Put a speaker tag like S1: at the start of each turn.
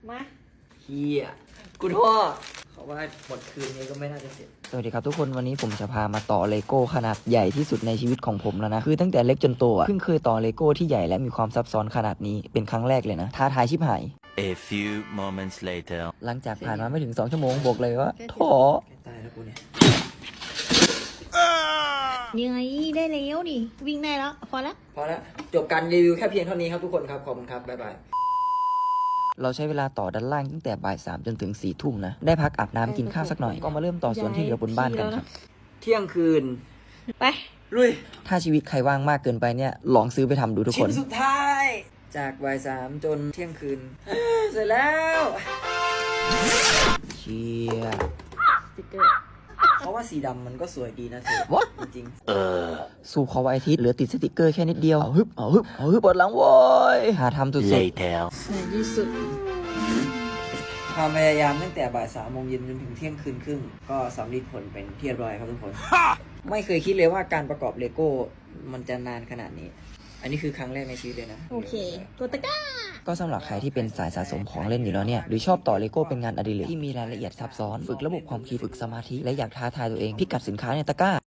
S1: มา
S2: เฮียกูท้อเขาว่าหมดคืนนี้ก็ไม่น่าจะเสร็จสวัสดีครับทุกคนวันนี้ผมจะพามาต่อเลโก้ขนาดใหญ่ที่สุดในชีวิตของผมแล้วนะคือตั้งแต่เล็กจนโตอ่ะเพิ่งเคยต่อเลโก้ที่ใหญ่และมีความซับซ้อนขนาดนี้เป็นครั้งแรกเลยนะท้าทายชิบหาย
S3: A few moments later
S2: หลังจากผ่านมาไม่ถึง2 ชั่วโมงบอกเลยว่าท้อตายแล้วกูเนี่ย
S1: ยังไงได้แล้วนี่วิ่งได้แล้วพอแล้ว
S2: พอแล้วจบการรีวิวแค่เพียงเท่านี้ครับทุกคนครับขอบคุณครับบ๊ายบายเราใช้เวลาต่อด้านล่างตั้งแต่บ่าย 3จนถึง4 ทุ่มนะได้พักอาบน้ำกินข้าวสักหน่อยก็มาเริ่มต่อส่วนที่เหลือบนบ้านกันครับเที่ยงคืน
S1: ไป
S2: ลุยถ้าชีวิตใครว่างมากเกินไปเนี่ยลองซื้อไปทำดูทุกคนชิ้นสุดท้ายจากบ่าย 3จนเที่ยงคืนเสร็จแล้วเชีย
S1: สติ๊กเกอร์
S2: เพราะว่าสีดำมันก็สวยดีนะเธอ What? จริงสู่ขอวันอาทิตย์เหลือติดสติกเกอร์แค่นิดเดียวเอาฮึบปวดหลังโว้ยหาทำสุด
S3: later
S1: สวยที่สุด
S2: ๆความพยายามตั้งแต่บ่าย 3 โมงเย็นจนถึงเที่ยงคืนครึ่งก็สำเร็จผลเป็นที่เรียบร้อยครับทุกคน ไม่เคยคิดเลยว่าการประกอบเลโก้มันจะนานขนาดนี้ อันนี้คือครั้งแรกในชีวิตเลยนะ
S1: โอเคกดตะกร้า
S2: ก็สำหรับใครที่เป็นสายสะสมของเล่นอยู่แล้วเนี่ยหรือชอบต่อเลโก้เป็นงานอดิเรกที่มีรายละเอียดซับซ้อนฝึกระบบความคิดฝึกสมาธิและอยากท้าทายตัวเองพิกัดสินค้าในตะกร้า